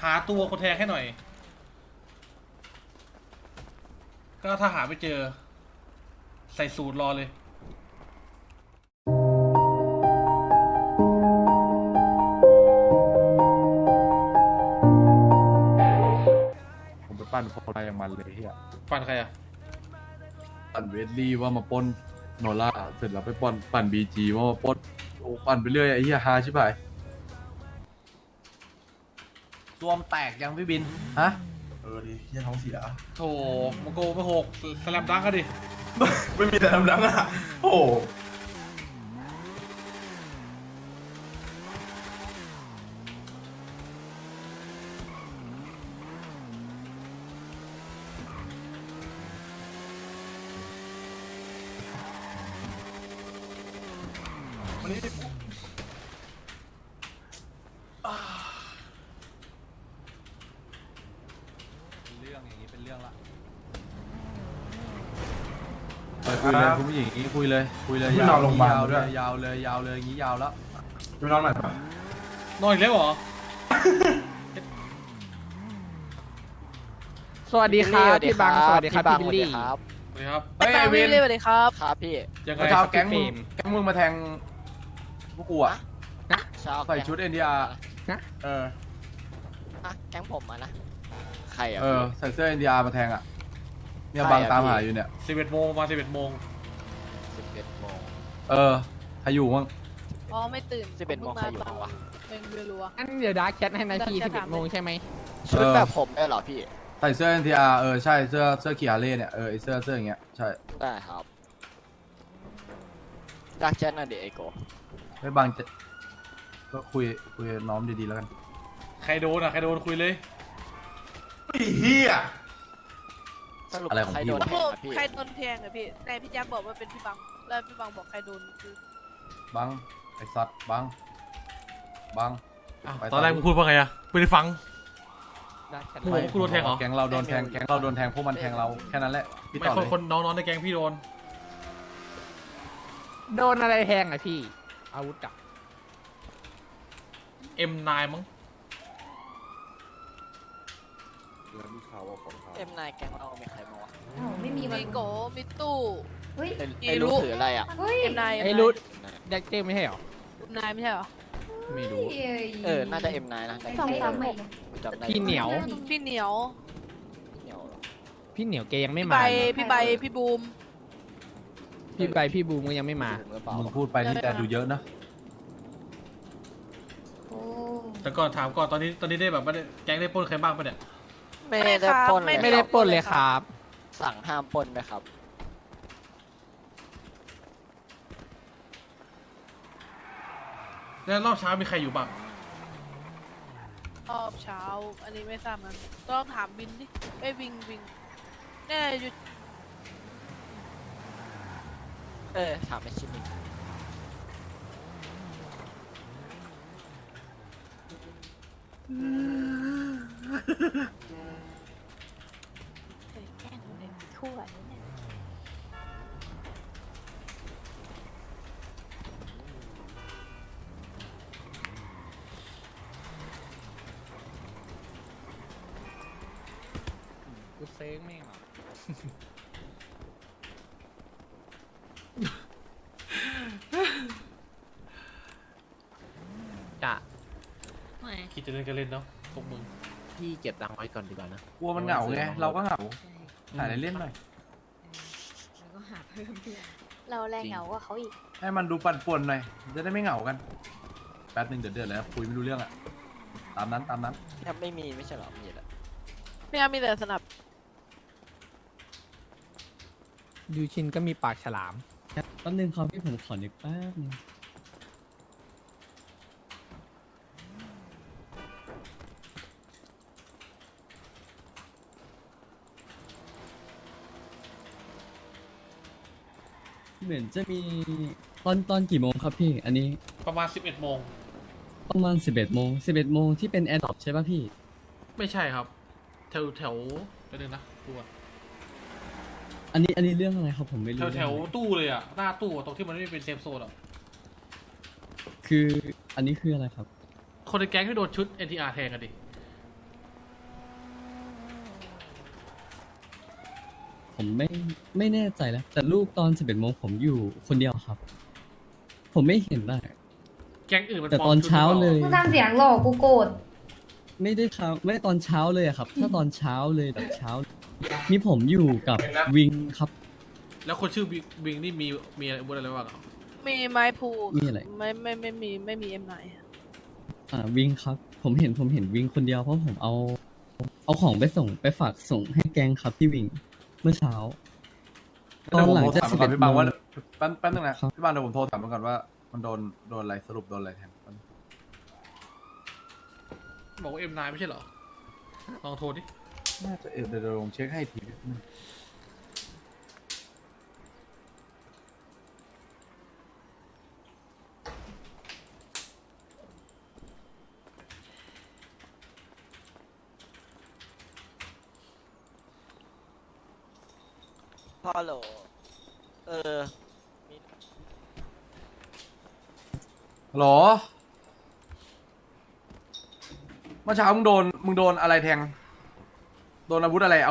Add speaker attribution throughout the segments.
Speaker 1: หาตัวคนแทงให้หน่อยก็ถ้าหาไม่เจอใส่สูตรรอเลย
Speaker 2: ผมไปปั้นโพลาอย่างมันเลยเฮีย
Speaker 1: ปั่นใครอะ
Speaker 2: ปั่นเวดลี่ว่ามาปล้นโนล่าเสร็จแล้วไปปั่นบีจีว่ามาปล้นโอ้ปั่นไปเรื่อยไอ้เฮียฮาใช่ไหมรวมแตกยังพี่บินฮะ
Speaker 3: ดิเฮียท้องเสีย
Speaker 1: โถมโกไม่หกสแลมดังกันดิ
Speaker 3: ไม่มีแต่ดังๆอ่ะ โอ้โหวันนี้
Speaker 2: เรื่องอย่างนี้เป็นเรื่องละไปคุยเลยคุณผู้หญิงอย่างนี้คุยเลยยาวเลยยาวเลยอย่างนี้ยาวแล้ว
Speaker 3: ไปนอนใหม่ปะ
Speaker 1: นอนอีกแล้วเหรอ
Speaker 4: สวัสดีครับพี่บังสวัสดีครับพี่บิลลี่
Speaker 1: สวัสดีครับ
Speaker 2: เฮ้ยไอวิน
Speaker 5: สวัสดีครับครับพี่
Speaker 1: ยังไง
Speaker 2: เช้าแก๊งมึงมาแทงพวกกูอะ
Speaker 5: เช้า
Speaker 2: ใส่ชุด NDR
Speaker 4: นะ
Speaker 2: เออ
Speaker 5: แก๊งผมอะนะ ใครอ่ะ
Speaker 2: ใส่เสื้อ NDR มาแทงอะเนี่ยบางตามหาอยู่เนี่ย
Speaker 1: 11 โมงมา11 โมง
Speaker 5: 11 โมง
Speaker 2: ใครอยู่มั้ง
Speaker 6: อ๋อไม่ตื่น
Speaker 5: 11 โมงใครอยู่บ้างวะ
Speaker 6: ไม่รู้อะ
Speaker 4: อันเดี๋ยวดาร์กแชทให้นาที
Speaker 6: ดาร์กแชท
Speaker 4: 11 โมงใช่ไหม
Speaker 5: ชุดแบบผมได้เหรอพี่
Speaker 2: ใส่เสื้อ NTR ใช่เสื้อขี่ฮาร์เลย์เนี่ยไอเสื้ออย่างเงี้ยใช่
Speaker 5: ได้ครับดักแชทน่ะเดี๋ยวไอโก
Speaker 2: ไม่บางจะก็คุยน้อมดีๆแล้วกัน
Speaker 1: ใครโดนอะใครโดนคุยเลย
Speaker 3: ไอ้เฮีย
Speaker 5: สรุป
Speaker 2: อะไรของ
Speaker 5: ใคร
Speaker 2: พี่
Speaker 5: โดน
Speaker 2: วะ
Speaker 5: แทงอะพี่
Speaker 6: ใครโดนแทงอะพี่แต่พี่แจ๊คบอกว่าเป็นพี่บัง แล้วพี่บังบอกใครโดนคือ
Speaker 2: บังไอสัตว์บัง
Speaker 1: อ้าว
Speaker 2: ไปต่อ
Speaker 1: ตอนแรกมึงพูดว่าไงอะไม่ได้ฟัง
Speaker 4: ดาร์กแชท
Speaker 1: โอ้โหกูโดนแทงเหรอ
Speaker 2: แก๊งเราโดนแทงพวกมันแทงเราแค่นั้นแหละพี่
Speaker 1: ไม่
Speaker 2: ต่อ
Speaker 1: ค
Speaker 2: เล
Speaker 1: น
Speaker 2: ย
Speaker 1: คนน้องๆในแก๊งพี่โดน
Speaker 4: โดนอะไรแทงอ่ะพี่ อาวุธอะ
Speaker 1: M9 มั้ง
Speaker 5: เอ็มนายแก๊งเรามีใครบ้างวะ
Speaker 7: อ้าวไม่มีวัน
Speaker 6: มีโกมีตู้
Speaker 7: เฮ้ย
Speaker 5: ไอ้รู้ถืออะไรอ่ะ
Speaker 7: เฮ้ย
Speaker 6: เอ็มนาย
Speaker 4: ไอ้รุดแดกเจมไม่ใช่เหรอ
Speaker 6: นายไม่ใช่เหรอ
Speaker 4: ไม่รู้
Speaker 5: น่าจะเอ็มนายนะ
Speaker 7: สองสามใหม่
Speaker 5: จำได้
Speaker 4: พี่เหนียว
Speaker 6: พี่เหนียว
Speaker 5: เหนียวเหรอ
Speaker 4: พี่เหนียวแกยังไม่
Speaker 6: พี่
Speaker 4: มา
Speaker 6: ใบ
Speaker 4: เลย
Speaker 6: พี่ใบพี่บูม
Speaker 4: พี่ใบพี่บูมก็ยังไม่มา
Speaker 5: ถึงหรือเปล่า
Speaker 2: มึงพูดไปนี่แต่ดูเยอะนะ
Speaker 7: โอ้
Speaker 1: แต่ก่อนถามก่อนตอนนี้ได้แบบไม่ได้แก๊งได้ปล้นใครบ้างปะเนี่ย
Speaker 5: ไม่ได้ปล้นเลย
Speaker 4: ไม่ได้ปล้นเลยครับ
Speaker 5: สั่งห้ามปล้นไหมครับ
Speaker 1: แล้วรอบเช้ามีใครอยู่บ้าง
Speaker 6: รอบเช้า อันนี้ไม่ทราบมันต้องถามบินดิไอ้ยวิงแน่อยู่
Speaker 5: ถามไอชิมิง
Speaker 7: แกล้งเลยทั่วเนี่ย
Speaker 4: กูเซ็งไม่งเหรอจะ
Speaker 1: คิดจะเล่นก็เล่นเนาะพวกมึง
Speaker 4: พี่เก็บตังค์ไว้ก่อนดีกว่านะ
Speaker 2: กลัวมันเหงาไงเราก็เหงาหาอะไรเล่นหน่อย
Speaker 7: เราแรงเหงากว่าเขาอีก
Speaker 2: ให้มันดูปั่นป่วนหน่อยจะได้ไม่เหงากันแป๊บนึงเดือดแล้วคุยไม่รู้เรื่องอะตามนั้น
Speaker 5: ยังไม่มีไม่ใช่เหรอ มีแหละ
Speaker 6: พี่อามีแต่สนับ
Speaker 4: ยูชินก็มีปากฉลาม
Speaker 8: แป๊บนึงครับพี่ผมขอนึกแป๊บนึงเหมือนจะมีตอนกี่โมงครับพี่ อันนี้
Speaker 1: ประมาณ 11 โมง
Speaker 8: ประมาณ11 โมงที่เป็นแอร์ดรอปใช่ป่ะพี่
Speaker 1: ไม่ใช่ครับ แถวเดี๋ยวนึงนะดูก่อน
Speaker 8: อันนี้เรื่องอะไรครับผมไม่รู้
Speaker 1: แถวตู้เลยอะหน้าตู้อะตรงที่มันไม่เป็นเซฟโซนอะ
Speaker 8: คืออันนี้คืออะไรครับ
Speaker 1: คนในแก๊งที่โดนชุด NTR แทงกันดิ
Speaker 8: ผมไม่แน่ใจแล้ว แต่ลูกตอน11โมงผมอยู่คนเดียวครับ ผมไม่เห็นได้
Speaker 1: แก๊งอื่นมัน
Speaker 8: แต่
Speaker 1: ปล
Speaker 8: ต
Speaker 1: อ
Speaker 8: อ
Speaker 1: ม
Speaker 8: น
Speaker 1: ชุด
Speaker 8: เช้า
Speaker 1: หรือป
Speaker 8: เล
Speaker 1: ล่
Speaker 8: ย
Speaker 7: มึงทำเสียงหลอกกูโกรธ
Speaker 8: ไม่ได้ตอนเช้าเลยอะครับ ถ้าตอนเช้าเลยแบบเช้า มีผมอยู่กับวิงครับ
Speaker 1: แล้วคนชื่อวิงนี่มีอะไรบ้างอ่ะ
Speaker 6: มีไม้พู
Speaker 8: มีอะไร
Speaker 6: ไม่มีเอ็มไหน
Speaker 8: วิงครับ ผมเห็นวิงคนเดียวเพราะผมเอาของไปฝากส่งให้แกงครับพี่วิงเมื่อเช้า ตอนหลังจาก
Speaker 2: เดี๋ยวผมโทรถามก่อน
Speaker 8: 11
Speaker 2: พี่บาง
Speaker 8: โมง
Speaker 2: ว่าแป๊บนึงนะครับ พี่บางเดี๋ยวผมโทรถามก่อนว่ามันโดนอะไรสรุปโดนอะไรแทน
Speaker 1: บอกว่า M9 ไม่ใช่เหรอ ลองโทรดิ
Speaker 2: น่าจะเดี๋ยวผมเช็คให้ที
Speaker 5: พ่อโหลเออ
Speaker 2: ฮัลโหลเมื่อเช้ามึงโดนอะไรแทง โดนอาวุธอะไร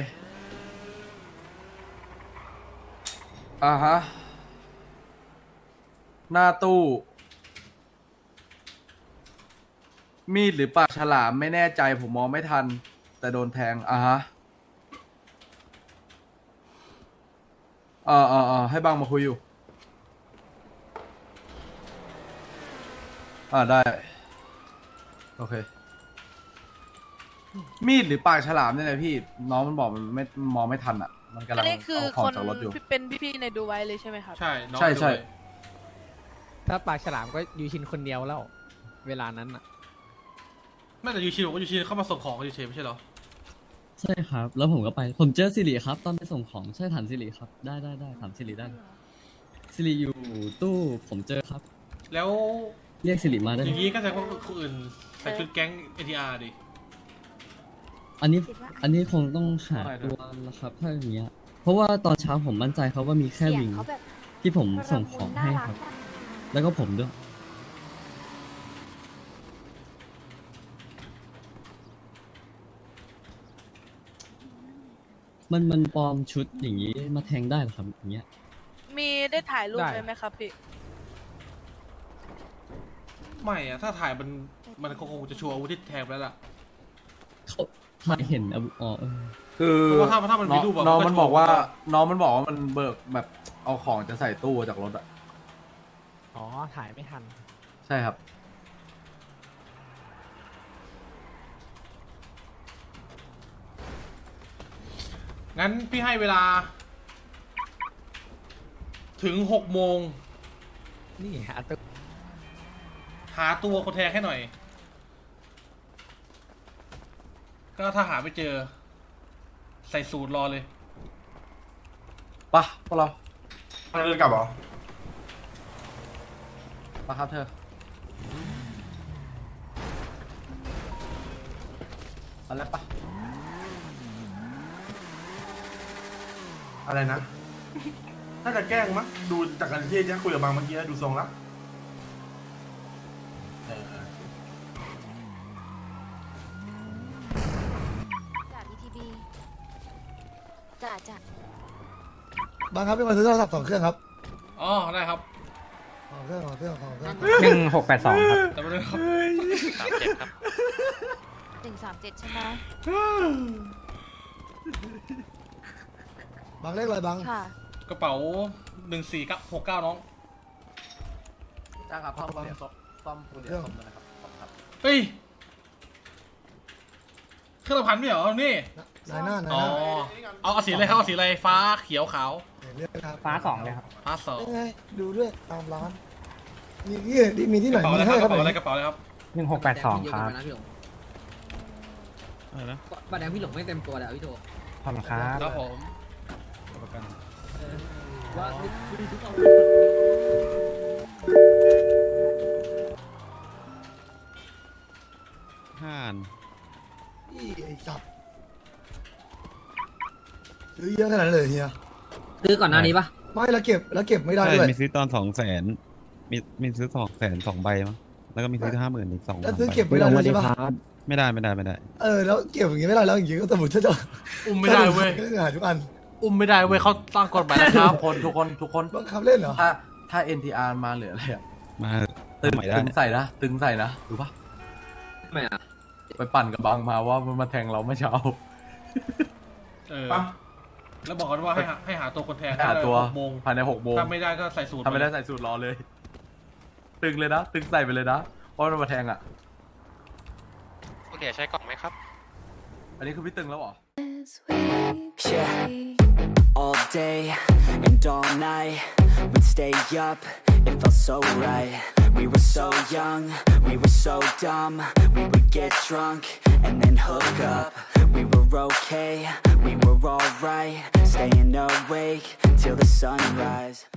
Speaker 2: อ่าฮะ หน้าตู้ มีดหรือปากฉลามไม่แน่ใจผมมองไม่ทัน แต่โดนแทงอ่าฮะให้บังมาคุยอยู่ได้ โอเค มีดหรือปากฉลามเนี่ยนะพี่ น้องมันบอกมันไม่มองไม่ทันอ่ะ มันกำลั
Speaker 6: อั
Speaker 2: ง
Speaker 6: นนี้คือ
Speaker 2: เอาขอ
Speaker 6: ค
Speaker 2: ง
Speaker 6: น
Speaker 2: จากรถอยู่
Speaker 6: ที่เป็นพี่ๆในดูไว้เลยใช่ไหมครับ
Speaker 1: ใช่ น้อง
Speaker 2: ใช่
Speaker 1: ไปด้วย
Speaker 4: ถ้าปากฉลามก็ยูชินคนเดียวแล้ว เวลานั้นอ่ะ
Speaker 1: ไม่แต่ยูชินบอกว่ายูชินเข้ามาส่งของยูชินไม่ใช่เหรอ
Speaker 8: ใช่ครับ แล้วผมก็ไป ผมเจอสิริครับ ตอนไปส่งของใช่ถามสิริครับ ได้ถามสิริได้เลยสิริอยู่ตู้ผมเจอครับ
Speaker 1: แล้ว
Speaker 8: เรียกสิริมาได้
Speaker 1: อ
Speaker 8: ไหม
Speaker 1: ย่างนี้ก็แสดงว่าคนอื่นใส่ชุดแก๊ง ATR ดิ
Speaker 8: อันนี้คงต้องหาตัวแล้วครับ ถ้าอย่างเงี้ย เพราะว่าตอนเช้าผมมั่นใจครับว่ามีแค่
Speaker 7: เสียง
Speaker 8: วิง
Speaker 7: เขาแบบ
Speaker 8: ที่ผมส่งของให้ครับ แล้วก็ผมด้วย มันปลอมชุดอย่างนี้มาแทงได้เหรอครับอย่างเงี้ย
Speaker 6: มีได้ถ่ายรูป
Speaker 4: ได้
Speaker 6: ไว้ไหมครับพี่
Speaker 1: ไม่อะถ้าถ่ายมันคงจะชัวร์อาวุธที่แทงไปแล้วล่ะ
Speaker 8: เขาถ่ายเห็นอ๋อ
Speaker 2: คือ
Speaker 1: เพราะว่าถ้ามันมีรูปอะ
Speaker 2: น้อง
Speaker 1: มันก็
Speaker 2: มันบอกว่า
Speaker 1: ถูก
Speaker 2: น้องมันบอกว่ามันเบิกแบบเอาของจะใส่ตู้จากรถอ่ะ
Speaker 4: อ๋อ ถ่ายไม่ทัน
Speaker 2: ใช่ครับ
Speaker 1: งั้นพี่ให้เวลา ถึง6 โมง
Speaker 4: นี่หาตัว
Speaker 1: หาตัวคนแทงให้หน่อย ก็ถ้าหาไม่เจอ ใส่สูตรรอเลย
Speaker 2: ปะพวกเรา
Speaker 3: มันเดินกลับเหรอ
Speaker 2: ปะครับเธอเอาแล้วปะ
Speaker 3: อะไรนะ ถ้าจะแกล้งมั้งดูจากการที่คุยกับบางเมื่อกี้ดูทรงแล้ว
Speaker 7: จาก ETB จ้ะ
Speaker 9: บางครับเป็นวันซื้อโทรศัพท์2 เครื่องครับ
Speaker 1: อ๋อ ได้ครับ
Speaker 9: 2 เครื่อง2 เครื่อง2 เครื่อง
Speaker 4: 1682 ครับ
Speaker 1: แต่ไม่ได้ครับ
Speaker 7: 137 ใช่ไหม
Speaker 9: บางเลขอะไรบาง
Speaker 7: ค่ะ
Speaker 1: กระเป๋า1469น้อง
Speaker 2: จ้างครับซ่อมคนเดียวซ่อมคนเดียวซ่อมเลยนะครับขอบคุณครับ
Speaker 1: เฮ้ย เครื่องละพันไม่เหรอ นี่
Speaker 9: นายหน้านาย
Speaker 1: อ๋อ
Speaker 9: หน้า
Speaker 1: เอาสีอะไรครับ เอาสีอะไร ฟ้า เขียว ขาว
Speaker 9: เรียกครับ
Speaker 4: ฟ้า2เลยครับ
Speaker 1: ฟ้าสอง
Speaker 9: ยังไงดูด้วยตามร้าน มีที่
Speaker 1: ก
Speaker 9: ไหน
Speaker 1: ระเป๋า
Speaker 9: มี
Speaker 1: อะไรค
Speaker 9: ให้
Speaker 1: รับ ก
Speaker 9: ค
Speaker 1: ระ
Speaker 9: รับ
Speaker 1: เป๋าอะไร กระเป๋าอะไรครับ
Speaker 4: 1682 ครับ
Speaker 8: อะไรนะ
Speaker 4: บัตรแดงพี่หลงไม่เต็มตัวแล้วพี่โต
Speaker 8: ขอบคุณครับ
Speaker 1: ครับผม
Speaker 4: ว่า
Speaker 9: อีไอ้สัตว์ซื้อเยอะขนาดนั้นเลยเฮีย
Speaker 4: ซื้อก่อนหน้านี้ปะ
Speaker 9: ไม่แล้วเก็บไม่ได้ด้วย
Speaker 10: มีซื้อตอน200,000มีซื้อ200,000 2 ใบมั้งแล้วก็มีซื้อ50,000อีก2
Speaker 9: แล้วซื้อ
Speaker 10: ใบ
Speaker 9: เก็บไม่ได้ด้วยใช่ปะ
Speaker 10: ไม่ได้
Speaker 9: แล้วเก็บอย่างงี้ไม่ได้แล้วอย่างงี้ก็สมมติถ้าจะ
Speaker 1: อุ้มไม่ได้เว้ย
Speaker 9: ก็หาทุกอัน
Speaker 1: อุ้มไม่ได้เว้ยเขาตั้งกฎหมายนะครับ
Speaker 2: ทุกคน
Speaker 9: บังคับเล่นเหรอ
Speaker 2: ถ้า NTR มาเหลืออะไรอะ
Speaker 10: มา
Speaker 2: ตึง
Speaker 10: ใหม่ได้
Speaker 2: ใส่นะตึงใส่นะรู้ปะไม่อะไปปั่นกับบางมาว่ามันมาแทงเราเมื่อเช้า
Speaker 1: เออ
Speaker 3: ปะ
Speaker 1: แล้วบอกกันว่าให้หาตัวคนแทง
Speaker 2: หาตัว
Speaker 1: 6 โมง
Speaker 2: ภายใน6 โมง
Speaker 1: ถ้าไม่ได้ก็ใส่สูตร
Speaker 2: ทำไม่ได้ใส่สูตรรอเลย ตึงเลยนะ ตึงใส่ไปเลยนะเพราะมันมาแทงอ่ะ
Speaker 5: คุณเดี๋ยวใช้กล่องไหมครับ
Speaker 2: อันนี้คือพี่ตึงแล้วเหรอ
Speaker 11: Yeah. All day and all night, we'd stay up, it felt so right. We were so young, we were so dumb. We would get drunk and then hook up. We were okay, we were alright, staying awake till the sunrise.